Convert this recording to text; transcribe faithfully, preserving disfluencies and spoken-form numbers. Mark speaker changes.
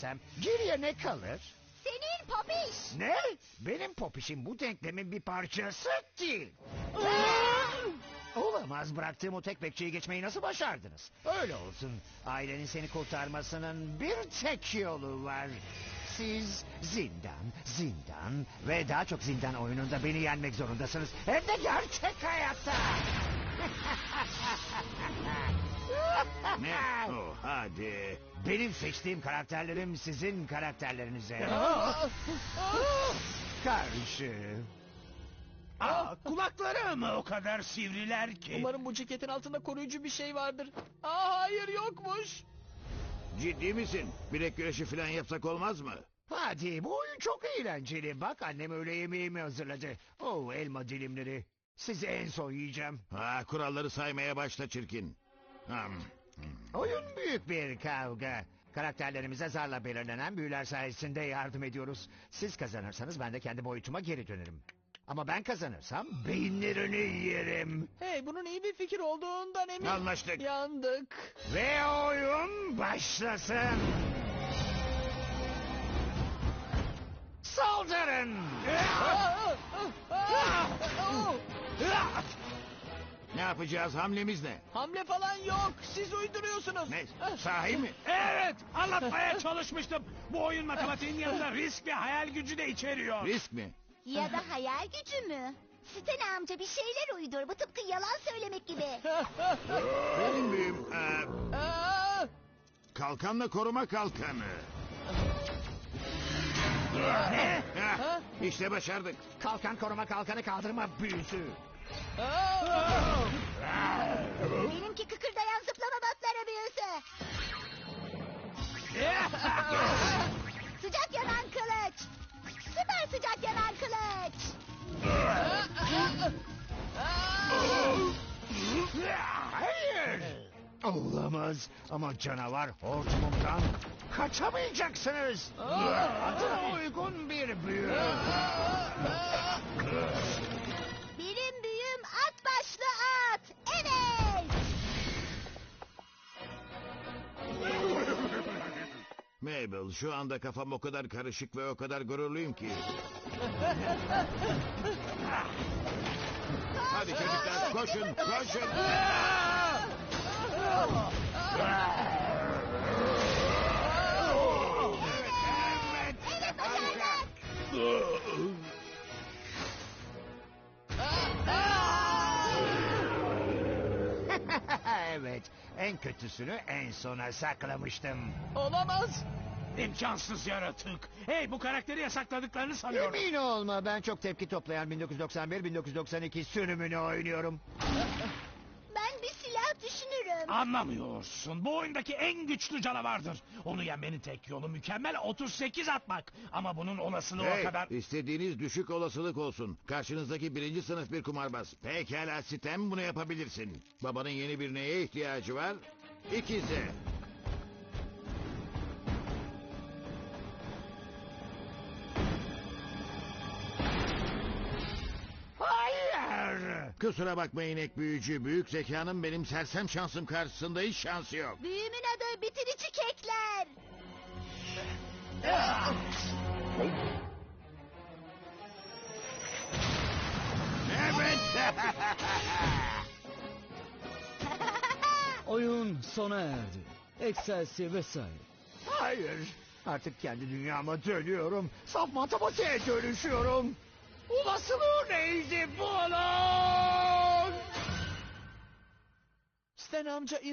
Speaker 1: Geriye ne kalır?
Speaker 2: Senin popiş.
Speaker 1: Ne? Benim popişim bu denklemin bir parçası değil. Olamaz, bıraktığım o tek bekçiyi geçmeyi nasıl başardınız? Öyle olsun. Ailenin seni kurtarmasının bir tek yolu var. Siz zindan, zindan ve daha çok zindan oyununda beni yenmek zorundasınız. Hem de gerçek hayatta.
Speaker 3: Ne? Oh, hadi.
Speaker 1: Benim seçtiğim karakterlerim sizin karakterlerinize karşı.
Speaker 3: Aa, kulakları mı o kadar sivriler ki?
Speaker 4: Umarım bu ceketin altında koruyucu bir şey vardır. Aa, hayır yokmuş.
Speaker 3: Ciddi misin? Bilek güreşi falan yapsak olmaz mı?
Speaker 1: Hadi, bu oyun çok eğlenceli. Bak, annem öğle yemeğimi hazırladı. Oh, elma dilimleri. Sizi en son yiyeceğim.
Speaker 3: Ha, kuralları saymaya başla çirkin. Hmm.
Speaker 1: Oyun büyük bir kavga. Karakterlerimize zarla belirlenen büyüler sayesinde yardım ediyoruz. Siz kazanırsanız ben de kendi boyutuma geri dönerim. Ama ben kazanırsam beyinlerini yerim.
Speaker 4: Hey, bunun iyi bir fikir olduğundan eminim.
Speaker 3: Anlaştık.
Speaker 4: Yandık.
Speaker 1: Ve oyun başlasın. Saldırın!
Speaker 4: Aa, aa, aa, aa.
Speaker 3: Ne yapacağız? Hamlemiz ne?
Speaker 4: Hamle falan yok. Siz uyduruyorsunuz.
Speaker 3: Ne? Sahi mi?
Speaker 5: Evet, anlatmaya çalışmıştım. Bu oyun matematiğin yanında risk ve hayal gücü de içeriyor.
Speaker 3: Risk mi?
Speaker 2: Ya da hayal gücü mü? Sten amca bir şeyler uydur. Bu tıpkı yalan söylemek gibi.
Speaker 3: Benim büyüm. Ee,
Speaker 4: Aa,
Speaker 3: kalkanla koruma kalkanı.
Speaker 1: Ne?
Speaker 3: Heh, işte başardık.
Speaker 1: Kalkan koruma kalkanı kaldırma büyüsü.
Speaker 4: aa.
Speaker 2: Benimki kıkırdayan zıplama batları büyüsü. Sıcak yanan kılıç. Süper sıcak yanan kılıç.
Speaker 1: Hayır! Olamaz, ama canavar hortumumdan kaçamayacaksınız. Adına uygun bir büyü.
Speaker 2: Benim büyüm at başlı at. Evet.
Speaker 3: Mabel, şu anda kafam o kadar karışık ve o kadar gururluyum ki. Hadi çocuklar, koşun, koşun.
Speaker 2: Evet başardık.
Speaker 1: Evet, en kötüsünü en sona saklamıştım.
Speaker 4: Olamaz.
Speaker 5: İmkansız yaratık. Hey, bu karakteri yasakladıklarını sanıyorum.
Speaker 1: Emin olma, ben çok tepki toplayan bin dokuz yüz doksan bir bin dokuz yüz doksan iki sürümünü oynuyorum.
Speaker 2: Ben bir silah düşünürüm.
Speaker 5: Anlamıyorsun. Bu oyundaki en güçlü canavardır. Onu yenmenin tek yolu mükemmel otuz sekiz atmak. Ama bunun olasılığı o
Speaker 3: Hey,
Speaker 5: kadar...
Speaker 3: istediğiniz düşük olasılık olsun. Karşınızdaki birinci sınıf bir kumarbaz. Pekala Stem, bunu yapabilirsin. Babanın yeni bir neye ihtiyacı var? İkize.
Speaker 1: Hayır!
Speaker 3: Kusura bakma inek büyücü. Büyük zekanın benim sersem şansım karşısında hiç şansı yok.
Speaker 2: Büyümün adı bitirici kekler.
Speaker 3: Evet.
Speaker 6: Oyun sona erdi. Excelsior vesaire.
Speaker 1: Hayır! Artık kendi dünyama dönüyorum. Saf matematiğe dönüşüyorum. Olasılığı neydi bunun?
Speaker 4: Sten amca